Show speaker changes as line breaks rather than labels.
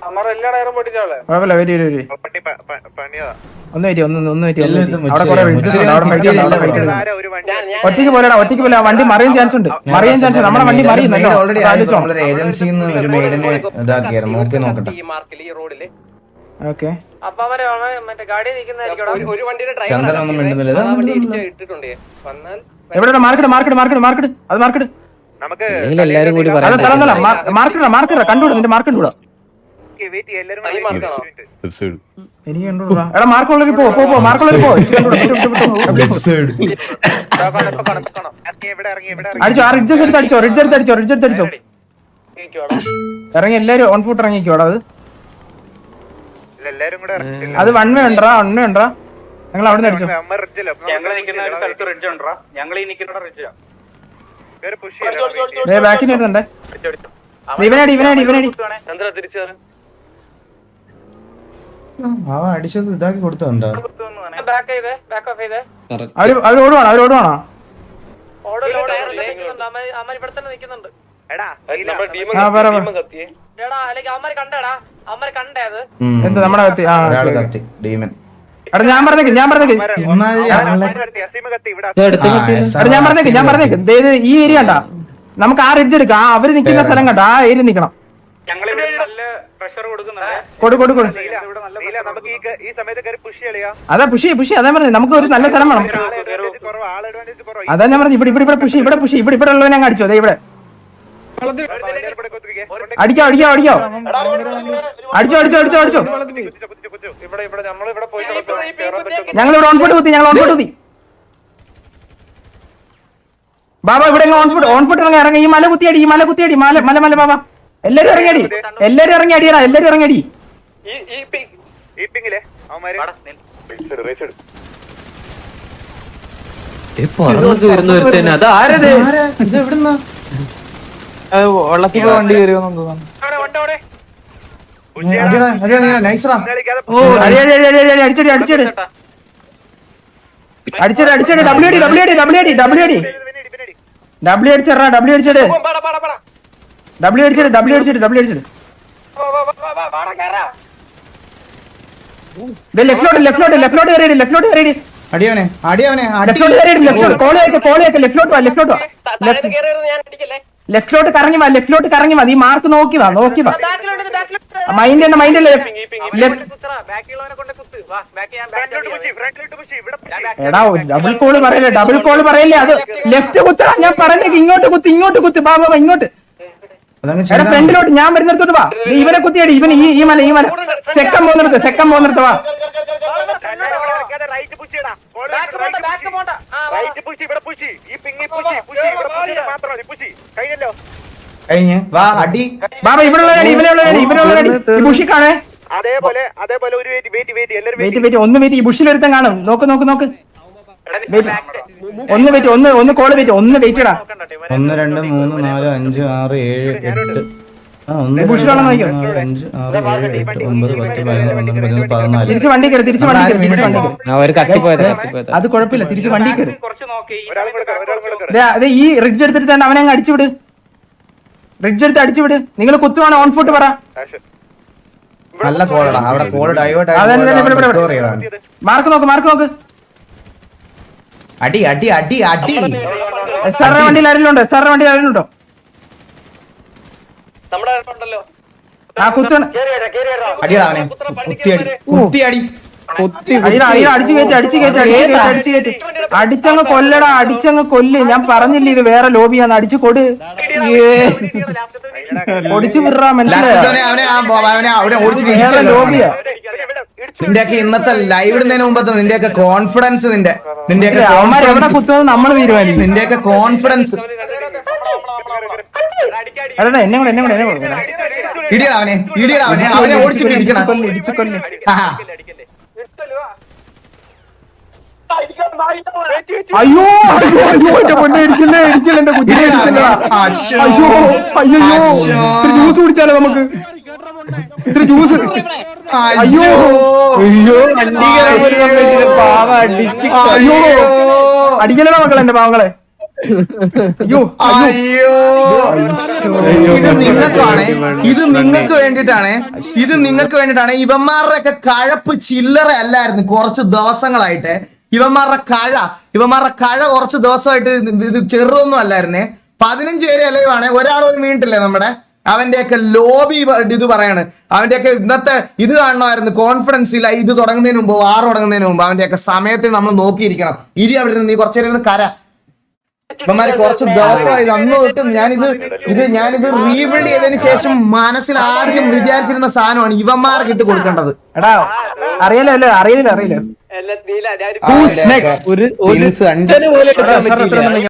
കുഴപ്പമില്ല വരി ഒറ്റയ്ക്ക് പോലെടാ ഒറ്റയ്ക്ക് പോലെ വണ്ടി മറിയാൻ ചാൻസ് ഉണ്ട് നമ്മുടെ വണ്ടി മറിയുന്നല്ലോ
ഏജൻസിന്ന് ഒരു മെയ്ഡിനെ ഇതാക്കിയായിരുന്നു നോക്കട്ടെ
ഓക്കെ
ചന്ദ്രനൊന്നും മിണ്ടുന്നില്ല
എവിടെ മാർക്കറ്റ് അത് മാർക്കറ്റ് മാർക്കറ്റ് കണ്ടുകൂടാ നിന്റെ മാർക്ക് കണ്ടുകൂടാ എനിക്ക് കണ്ടുകൂടാ എടാ മാർക്കുള്ളവര് പോ മാർക്കുള്ളവര് പോ അടിച്ചോ ആ റിഡ്ജസ് എടുത്ത് അടിച്ചോ റിഡ്ജ് എടുത്ത് അടിച്ചോ ഇറങ്ങി എല്ലാരും ഓൺ ഫുട്ട് ഇറങ്ങിക്കോടാ അത് വൺ വേ ഉണ്ടാ ഞങ്ങൾ അവിടെ നിന്ന് അടിച്ചോ ബാക്കിന് വരുന്നുണ്ടേ ഇവനടി
അടിച്ചത് ഇതാക്കി കൊടുത്തോണ്ടോ
അവര് ഓടുവാണോ എന്താ നമ്മുടെ കത്തി
ഡീമൻ
എടാ ഞാൻ പറഞ്ഞേക്ക് ഈ ഏരിയ കണ്ടാ നമുക്ക് ആ റിഡ്ജ് എടുക്കാം അവര് നിക്കുന്ന സ്ഥലം കണ്ടാ ആ ഏരിയ നിക്കണം അതാ പുഷി അതാ പറഞ്ഞത് നമുക്ക് ഒരു നല്ല സ്ഥലം വേണം അതാ ഞാൻ പറഞ്ഞു ഇവിടെ പുഷി ഇവിടെ ഉള്ളവനെ അങ്ങ് അടിച്ചോ അതെ ഇവിടെ അടിച്ചോ ഞങ്ങളിവിടെ ഓൺ ഫുട്ട് കുത്തി ബാബാ ഇവിടെ ഓൺ ഫുട്ട് ഇറങ്ങി ഈ മല കുത്തിയടി മല ബാബാ എല്ലാരും ഇറങ്ങി അടിയടാ ഇറങ്ങി
വണ്ടി വരുമെന്ന് തോന്നുന്നു
അടിച്ചടി ലെഫ്റ്റിലോട്ട് കറങ്ങി വാ നീ മാർക്ക് നോക്കി വാ മൈൻഡ് എടാ ഡബിൾ കോള് പറയല്ലേ അത് ലെഫ്റ്റ് കുത്തടാ ഞാൻ പറഞ്ഞേക്ക് ഇങ്ങോട്ട് കുത്തി ബാബാ ഇങ്ങോട്ട് ഫ്രണ്ടിലോട്ട് ഞാൻ വരുന്നിടത്തോട്ട് വാ ഇവനെ കുത്തിയടി ഈ മല സെക്കം പോകുന്നിടത്ത് വാ ബാബാ ഇവിടെ ബുഷിക്കാണേ ഒന്ന് വെയിറ്റ് ഈ ബുഷിൽ ഒരുത്തം കാണും നോക്ക് ഒന്ന് കോള് വെയിറ്റ് ഒന്ന് വെയിറ്റ് ഇടാ
1 2 3 4 5 6 7 8
തിരിച്ച് വണ്ടി കയറി അത് കുഴപ്പമില്ല തിരിച്ച് വണ്ടി കയറി അതെ ഈ റിഡ്ജ് എടുത്തിട്ട് തന്നെ അവനെ അങ്ങ് അടിച്ചുവിട് നിങ്ങൾ കുത്തുവാണ് ഓൺ ഫുട്ട് പറ
നല്ല കോളാ അവിടെ കോൾ ഡൈവേർട്ട്
മാർക്ക് നോക്ക്
അടി
സാറിന്റെ വണ്ടിയിൽ ആരെങ്കിലും ഉണ്ടോ ആ കുത്താണ്
കുത്തിയടി
അടിച്ചങ്ങ് കൊല്ലടാ കൊല്ല് ഞാൻ പറഞ്ഞില്ല ഇത് വേറെ ലോബിയാന്ന് അടിച്ചു കൊടു പൊടിച്ചു വിടാ മനസ്സിലായോ ലോബിയാ
നിന്റെയൊക്കെ ഇന്നത്തെ ലൈവ് ഇടുന്നതിന് മുമ്പത്തെ നിന്റെയൊക്കെ കോൺഫിഡൻസ്
എവിടെ കുത്തുന്നത് നമ്മൾ തീരുമാനിക്കും
നിന്റെയൊക്കെ കോൺഫിഡൻസ്
എന്നെ കൂടെ
അവനെ ഓടിച്ചിട്ട് ഇടിക്കണം
അയ്യോ എന്റെ പൊന്നെ ഇടിക്കില്ലേ എന്റെ കുട്ടിയെ ജ്യൂസ് കുടിച്ചാലോ നമുക്ക് ഇത്തിരി ജ്യൂസ് അയ്യോ അടിക്കലോ മക്കളെ എന്റെ പാവങ്ങളെ അയ്യോ
അയ്യോ ഇത് നിങ്ങൾക്ക് വേണ്ടിട്ടാണ് ഇവന്മാരുടെ ഒക്കെ കഴപ്പ് ചില്ലറ അല്ലായിരുന്നു കുറച്ച് ദിവസങ്ങളായിട്ട്. ഇവന്മാരുടെ കഴ കുറച്ച് ദിവസമായിട്ട് ഇത് ചെറുതൊന്നും അല്ലായിരുന്നേ. 15 പേര് അലവാണ്, ഒരാളൊന്നും വീണിട്ടില്ലേ നമ്മുടെ. അവന്റെയൊക്കെ ലോബി ഇത് പറയാണ്. അവന്റെയൊക്കെ ഇന്നത്തെ ഇത് കാണണമായിരുന്നു. കോൺഫിഡൻസ് ഇല്ല. ഇത് തുടങ്ങുന്നതിന് മുമ്പ്, വാർ തുടങ്ങുന്നതിന് മുമ്പ് അവന്റെയൊക്കെ സമയത്തിന് നമ്മൾ നോക്കിയിരിക്കണം. ഇരി അവിടെ നിന്ന് നീ കുറച്ചു നേരം കര. ഇവന്മാര് കുറച്ച് ദിവസമായി അന്ന് തൊട്ട് ഞാനിത് റീബിൽഡ് ചെയ്തതിന് ശേഷം മനസ്സിൽ ആദ്യം വിചാരിച്ചിരുന്ന സാധനമാണ് ഇവന്മാർക്ക് ഇട്ട് കൊടുക്കേണ്ടത്.
എടാ അറിയില്ല
ഒരു